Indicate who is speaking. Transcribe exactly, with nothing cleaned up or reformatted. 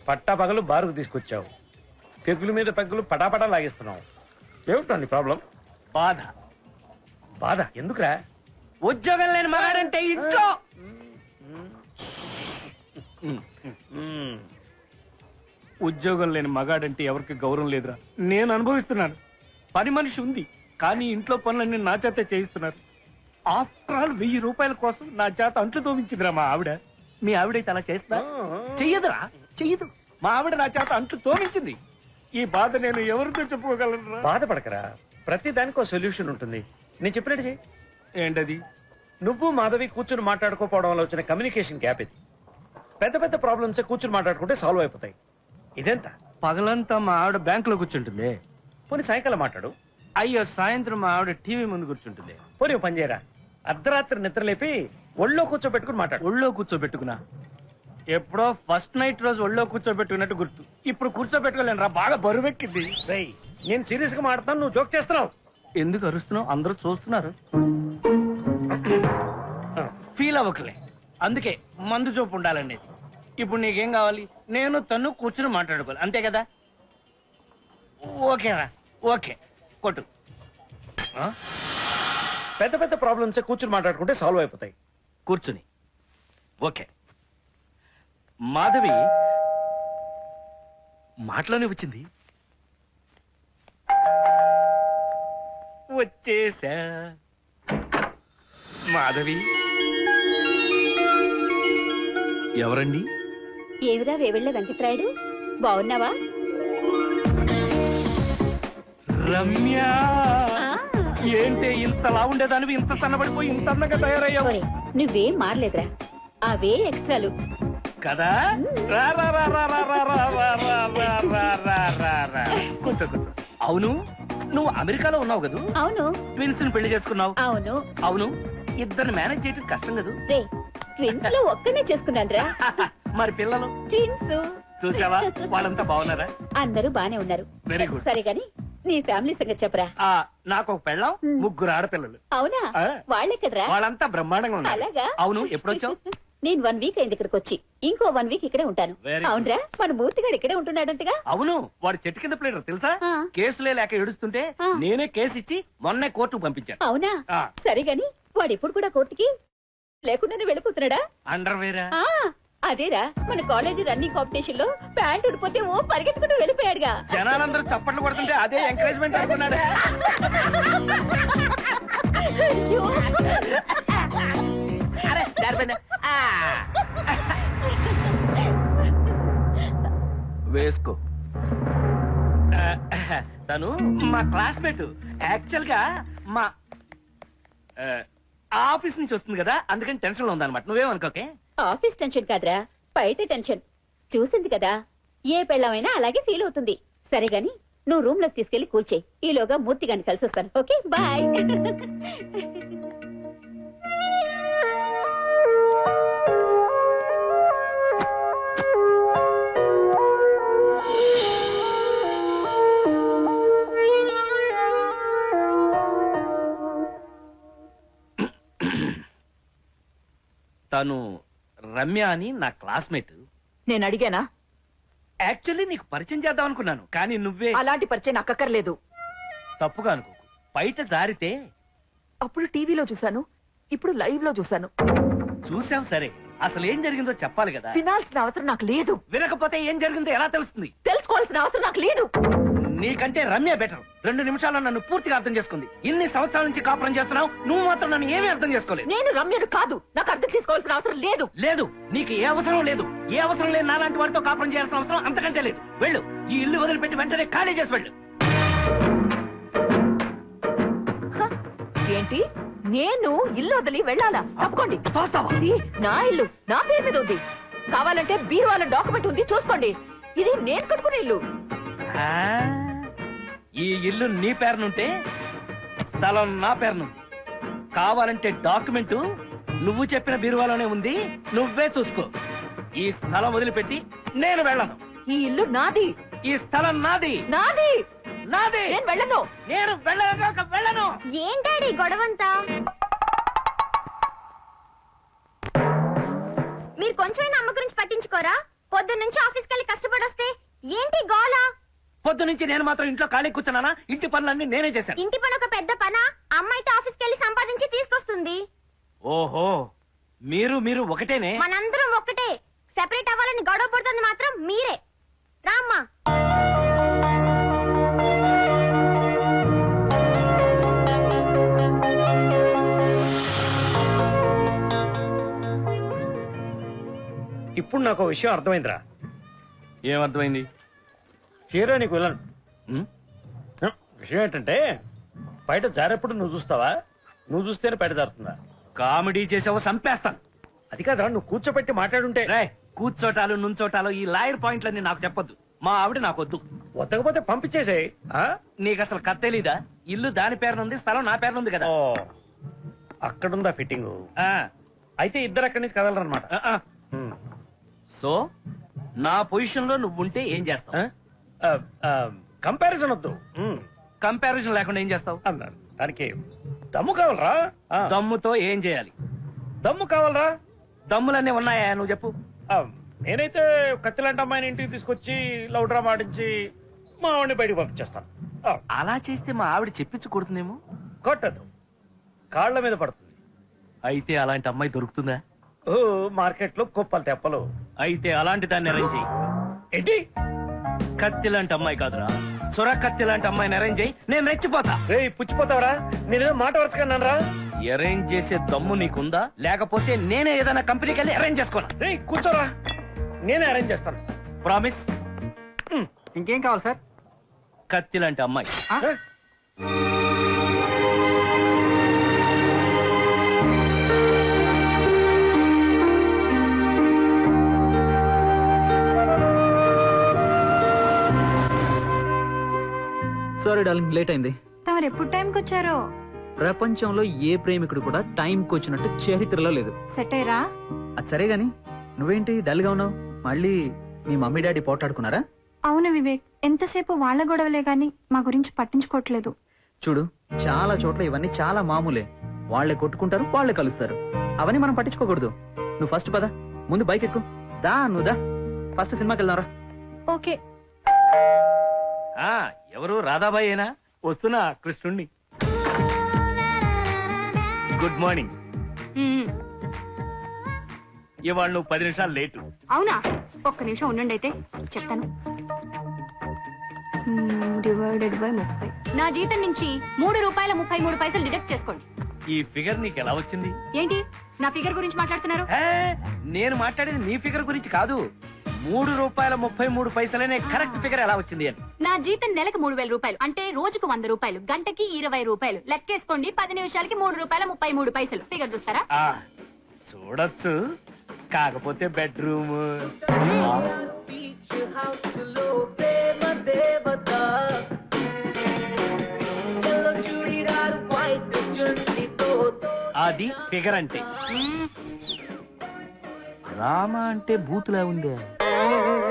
Speaker 1: పట్టా పగలు బారుకు తీసుకొచ్చావు, పెగ్గుల మీద పెగ్గులు పటాపటా లాగేస్తున్నావు. ఏమిటో నీ ప్రాబ్లం?
Speaker 2: బాధ.
Speaker 1: బాధ ఎందుకురా?
Speaker 2: ఉద్యోగం లేని మగాడంటే ఇంట్లో ఉద్యోగం లేని మగాడంటే ఎవరికి గౌరవం లేదురా. నేను అనుభవిస్తున్నాను. పని మనిషి ఉంది, కానీ ఇంట్లో పనులన్నీ నా చేత చేయిస్తున్నారు. ఆఫ్టర్ ఆల్ వెయ్యి రూపాయల కోసం నా చేత అంట్లు తోమించిందిరా మా ఆవిడ. మీ ఆవిడైతే అలా చేస్తా? చెయ్యదురా, చెయ్యదు. మా ఆవిడ నా చేత అంట్లు తోమించింది. ఈ బాధ నేను ఎవరితో చెప్పుకోగలను?
Speaker 1: బాధపడకరా, ప్రతి దానికి ఒక సొల్యూషన్ ఉంటుంది. నేను చెప్పినట్టు చెయ్యి.
Speaker 2: ఏంటది?
Speaker 1: నువ్వు మాధవి కూర్చుని మాట్లాడుకోపోవడం వల్ల వచ్చిన కమ్యూనికేషన్ గ్యాప్ ఇది. పెద్ద పెద్ద ప్రాబ్లమ్స్ కూర్చుని మాట్లాడుకుంటే సాల్వ్ అయిపోతాయి. ఇదెంత?
Speaker 2: పగలంతా మా ఆవిడ బ్యాంకులో కూర్చుంటుంది.
Speaker 1: పోనీ సాయంకాలం మాట్లాడు.
Speaker 2: అయ్యో, సాయంత్రం మా ఆవిడ టీవీ ముందు కూర్చుంటుంది.
Speaker 1: పోనీ పని చేయరా, అర్ధరాత్రి నిద్రలేపి ఒళ్ళో కూర్చోబెట్టుకుని మాట్లాడు.
Speaker 2: ఒళ్ళో కూర్చోబెట్టుకున్నా? ఎప్పుడో ఫస్ట్ నైట్ రోజు ఒళ్ళో కూర్చోబెట్టుకున్నట్టు గుర్తు. ఇప్పుడు కూర్చోబెట్టుకోలేను రా, బాగా బరువెక్కింది.
Speaker 1: నేను సీరియస్ గా మాట్లాడుతాను, నువ్వు జోక్ చేస్తున్నావు.
Speaker 2: ఎందుకు అరుస్తున్నావు? అందరూ చూస్తున్నారు. ఫీల్ అవ్వకలే, అందుకే మందు చూపు ఉండాలండి. ఇప్పుడు నీకేం కావాలి? నేను తను కూర్చుని మాట్లాడుకోవాలి, అంతే కదా? ఓకేరా, ఓకే, కొట్టు.
Speaker 1: పెద్ద పెద్ద ప్రాబ్లమ్స్ కూర్చుని మాట్లాడుకుంటే సాల్వ్ అయిపోతాయి.
Speaker 2: కూర్చుని. ఓకే. మాధవి మాటలోనే వచ్చింది. వచ్చేసా. మాధవి ఎవరండి?
Speaker 3: ఏమిరా వేవిళ్ళ వెంకట్రాయుడు, బాగున్నావా?
Speaker 2: రమ్య. ఏంటి ఇంతలా ఉండేదానివి ఇంత సన్నబడిపోయి ఇంత అందంగా తయారయ్యావు?
Speaker 3: నువ్వేం మారలేదురా, అవే ఎక్స్ట్రాలు
Speaker 2: కదా. కూర్చో కూర్చో. అవును, నువ్వు అమెరికాలో ఉన్నావు కదా?
Speaker 3: అవును.
Speaker 2: ట్విన్స్ ని పెళ్లి చేసుకున్నావు?
Speaker 3: అవును.
Speaker 2: అవును, ఇద్దరు మేనేజ్ చేయడం కష్టం కదా?
Speaker 3: ట్విన్స్ లో ఒక్కనే చేసుకున్నాను రా.
Speaker 2: మరి పిల్లలు?
Speaker 3: ట్విన్స్.
Speaker 2: చూసావా, వాళ్ళంతా బాగున్నారా?
Speaker 3: అందరూ బానే ఉన్నారు.
Speaker 2: Very good.
Speaker 3: సరే గాని నీ ఫ్యామిలీ సంగతి చెప్పరా.
Speaker 2: నాకు ఒక పెళ్ళం, ముగ్గురు ఆడపిల్లలు.
Speaker 3: అవునా? వాళ్ళెక్కడరా?
Speaker 2: వాళ్ళంతా బ్రహ్మాండంగా ఉన్నారు.
Speaker 3: అలాగా?
Speaker 2: అవును. ఎప్పుడొచ్చావు?
Speaker 3: నేను వన్ వీక్ అయింది ఇక్కడికి వచ్చి. ఇంకో వన్ వీక్ ఇక్కడే ఉంటాను. అవునరా, మన మూర్తి గారు ఇక్కడే ఉంటున్నాడంటగా?
Speaker 2: అవును, వాడు చెట్టు కింద ప్లేడర్ తెలుసా? కేసులే లేక ఏడుస్తుంటే నేనే కేసు ఇచ్చి మొన్నే కోర్టుకు పంపించాను.
Speaker 3: అవునా? సరే గాని వాడు ఇప్పుడు కూడా కోర్టుకి లేకుండానే వెళ్ళిపోతున్నాడా?
Speaker 2: అండర్వేరా?
Speaker 3: అదేరా, మన కాలేజీ రన్నింగ్ కాంపిటీషన్ లో ప్యాంట్ ఉడిపోతే ఓ పరిగెత్తుకుంటూ వెళ్ళిపోయాడుగా.
Speaker 2: జనాలందరూ చప్పట్లు కొడుతుంటే అదే ఎంకరేజ్మెంట్ అనుకున్నాడు. వేసుకో. తను మా క్లాస్మేట్. యాక్చువల్ గా మా ఆఫీస్ నుంచి వస్తుంది కదా, అందుకని టెన్షన్ లో ఉందన్నమాట. నువ్వేమనుకోకే.
Speaker 3: ఆఫీస్ టెన్షన్ కాదురా, బయట టెన్షన్. చూసింది కదా, ఏ పెళ్ళమైనా అలాగే ఫీల్ అవుతుంది. సరే గాని నువ్వు రూమ్ లోకి తీసుకెళ్లి కూర్చేయి. ఈలోగా మూర్తి గారిని కలిసి వస్తాను. Okay, bye.
Speaker 2: తను రమ్య అని నా క్లాస్మేట్.
Speaker 4: నేను అడిగానా?
Speaker 2: యాక్చువల్లీ నీకు పరిచయం చేద్దాం అనుకున్నాను, కానీ నువ్వే.
Speaker 4: అలాంటి పరిచయం నాకు అక్కర్లేదు.
Speaker 2: తప్పుగా అనుకోకు, బయట జారితే.
Speaker 4: అప్పుడు టీవీలో చూశాను, ఇప్పుడు లైవ్ లో చూశాను.
Speaker 2: చూసాం, సరే అసలు ఏం జరిగిందో చెప్పాలి కదా.
Speaker 4: వినాల్సిన అవసరం నాకు లేదు.
Speaker 2: వినకపోతే ఏం జరిగిందో ఎలా తెలుస్తుంది?
Speaker 4: తెలుసుకోవాల్సిన అవసరం నాకు లేదు.
Speaker 2: నీకంటే రమ్య బెటర్. రెండు నిమిషాల్లో నన్ను పూర్తిగా అర్థం చేసుకుంది. ఇన్ని సంవత్సరాల నుంచి కాపురం చేస్తున్నావు, నువ్వు మాత్రం నన్ను ఏమీ అర్థం చేసుకోలేదు.
Speaker 4: నేను రమ్యను కాదు, నాకు అర్థం చేసుకోవాల్సిన అవసరం లేదు.
Speaker 2: లేదు, నీకు ఏ అవసరం లేదు. ఏ అవసరం లేదు నాలాంటి వాడితో కాపురం చేయాల్సిన అవసరం అంతకంటే లేదు. వెళ్ళు, ఈ ఇల్లు వదిలిపెట్టి వెంటనే ఖాళీ చేసి వెళ్ళు.
Speaker 4: ఏంటి, నేను ఇల్లు వదిలి వెళ్ళాలా? తప్పుకోండి. ఇది నా ఇల్లు, నా పేరు మీద ఉంది. కావాలంటే బీరువాల డాక్యుమెంట్ ఉంది, చూసుకోండి. ఇది నేను కట్టుకునే ఇల్లు.
Speaker 2: ఈ ఇల్లు నీ పేరునుంటే స్థలం నా పేరును. కావాలంటే డాక్యుమెంట్ నువ్వు చెప్పిన బీరువాలోనే ఉంది, నువ్వే చూసుకో. ఈ స్థలం వదిలిపెట్టి నేను వెళ్ళను.
Speaker 4: ఈ ఇల్లు నాది,
Speaker 2: ఈ స్థలం నాది.
Speaker 4: నాది
Speaker 2: నాది.
Speaker 4: నేను వెళ్ళను.
Speaker 2: నేను వెళ్ళను వెళ్ళను.
Speaker 3: ఏంటాడి గొడవంతా? మీరు కొంచెమైనా అమ్మ గురించి పట్టించుకోరా?
Speaker 5: పొద్దు నుంచి ఆఫీస్కి వెళ్ళి కష్టపడొస్తే ఏంటి గోలా?
Speaker 2: పొద్దు నుంచి నేను మాత్రం ఇంట్లో ఖాళీ కూర్చున్నానా? ఇంటి పనులన్నీ నేనే చేశాను.
Speaker 5: ఇంటి పని ఒక పెద్ద పనా? అమ్మాయితో ఆఫీస్కి వెళ్ళి సంపాదించి తీసుకొస్తుంది.
Speaker 2: ఓహో, మీరు మీరు ఒకటేనే.
Speaker 5: మనందరం ఒక్కటే. సెపరేట్ అవ్వాలని గొడవ పడుతుంది మాత్రం మీరే. రామ్మా.
Speaker 1: ఇప్పుడు నాకు ఒక విషయం అర్థమైందిరా.
Speaker 2: ఏమర్థమైంది?
Speaker 1: చీర నీకు వెళ్ళను. విషయం ఏంటంటే బయట జారేప్పుడు నువ్వు చూస్తావా, నువ్వు చూస్తేనే బయట జారుతుందా?
Speaker 2: కామెడీ చేసావో చంపేస్తాను.
Speaker 1: అది కాదురా, నువ్వు కూర్చోబెట్టి మాట్లాడుంటే.
Speaker 2: రే, కూర్చోటాలు నుంచోటాలు ఈ లాయర్ పాయింట్లన్నీ నాకు చెప్పొద్దు. మా ఆవిడ నాకొద్దు.
Speaker 1: వద్దకపోతే పంపించేసేయ్. ఆ?
Speaker 2: నీకు అసలు కథ తెలీదా? ఇల్లు దాని పేరునుంది, స్థలం నా పేరునుంది కదా.
Speaker 1: ఓ, అక్కడుందా ఫిట్టింగ్?
Speaker 2: ఆ,
Speaker 1: అయితే ఇద్దరు అక్కడి నుంచి కదలరనమాట.
Speaker 2: ఆ, ఆ. సో నా పొజిషన్ లో నువ్వుంటే ఏం చేస్తావు?
Speaker 1: కంపారిజన్ వద్దు. ఉమ్.
Speaker 2: కంపారిజన్ లేకుండా ఏం చేస్తావు?
Speaker 1: అన్నాను. దానికి దమ్ము కావాలరా? ఆ.
Speaker 2: దమ్ముతో ఏం చేయాలి?
Speaker 1: దమ్ము కావాలరా?
Speaker 2: దమ్ములన్నీ ఉన్నాయా? నువ్వు చెప్పు.
Speaker 1: ఆ, నేనైతే కత్తిలాంటి అమ్మాయిని ఇంటికి తీసుకొచ్చి లవ్ డ్రామా ఆడించి మా ఆవిడని బయటకు పంపించేస్తాను. ఆ,
Speaker 2: అలా చేస్తే మా ఆవిడ చెప్పించి కొడుతుందేమో.
Speaker 1: కొట్టదు, కాళ్ళ మీద పడుతుంది.
Speaker 2: అయితే అలాంటి అమ్మాయి దొరుకుతుందా?
Speaker 1: ఓ, మార్కెట్ లో కుప్పలు తెప్పలు.
Speaker 2: అయితే అలాంటి దాన్ని అరేంజ్ చెయ్యి.
Speaker 1: ఏంటి?
Speaker 2: కత్తి లాంటి అమ్మాయి కాదురా, సొర కత్తి లాంటి అమ్మాయిని అరేంజ్ చెయ్యి. నేను రెచ్చిపోతా.
Speaker 1: రే, పుచ్చిపోతావరా? నేనేదో మాట వరుసకన్నానరా.
Speaker 2: అరేంజ్ చేసే దమ్ము నీకుందా? లేకపోతే నేనే ఏదైనా కంపెనీకి వెళ్ళి అరేంజ్ చేసుకోనా?
Speaker 1: రే, కూర్చోరా, నేనే అరేంజ్ చేస్తాను.
Speaker 2: ప్రామిస్?
Speaker 6: ఇంకేం కావాలి సార్?
Speaker 2: కత్తి లాంటి అమ్మాయి.
Speaker 1: ఏ?
Speaker 6: సారీ డార్లింగ్, లేట్ అయింది.
Speaker 5: తమరు ఎప్పుడు టైంకి వచ్చారో?
Speaker 6: ప్రపంచంలో ఏ ప్రేమికుడు కూడా టైంకి వచ్చినట్టు చరిత్రలో లేదు.
Speaker 5: సెట్ అయ్యరా?
Speaker 6: అది సరే గాని నువ్వేంటి డల్ గా ఉన్నావు? మళ్ళీ మీ మమ్మీ డాడీ పోటాడుకున్నారా?
Speaker 5: అవును వివేక్, ఎంతసేపు వాళ్ళ గొడవలే గాని మా గురించి పట్టించుకోవట్లేదు.
Speaker 6: చూడు, చాలా చోట్ల ఇవన్నీ చాలా మామూలే. వాళ్లే కొట్టుకుంటారు, వాళ్లే కలుస్తారు. అవన్నీ మనం పట్టించుకోకూడదు. నువ్వు ఫస్ట్ పద, ముందు బైక్ ఎక్కు. దా నువ్వు దా, ఫస్ట్ సినిమాకి వెళ్దాంరా.
Speaker 5: ఓకే.
Speaker 2: ఆ, ఎవరు? రాధాబాయేనా? వస్తున్నా, కృష్ణుణ్ణి. Good morning. ఇవాళ నువ్వు పది నిమిషాలు లేటు.
Speaker 5: అవునా? ఒక్క నిమిషం ఉండండి, అయితే చెప్తాను. డివైడెడ్ బై ముప్పై. నా జీతం నుంచి మూడు రూపాయల ముప్పై మూడు పైసలు డిడక్ట్ చేసుకోండి.
Speaker 2: ఈ ఫిగర్ నీకు ఎలా వచ్చింది?
Speaker 5: ఏంటి నా ఫిగర్ గురించి మాట్లాడుతున్నారు?
Speaker 2: ఏ, నేను మాట్లాడేది నీ ఫిగర్ గురించి కాదు. మూడు రూపాయల ముప్పై మూడు పైసలనే కరెక్ట్ ఫిగర్ ఎలా వచ్చింది అని.
Speaker 5: నా జీతం నెలకు మూడు వేల రూపాయలు, అంటే రోజుకు వంద రూపాయలు, గంటకి ఇరవై రూపాయలు. లెక్కేసుకోండి, పది నిమిషాలకి మూడు రూపాయల ముప్పై మూడు పైసలు. ఫిగర్ చూస్తారా?
Speaker 2: ఆ, చూడొచ్చు, కాకపోతే బెడ్రూమ్. అది ఫిగర్ అంటే. రామ అంటే బూతులా ఉందే.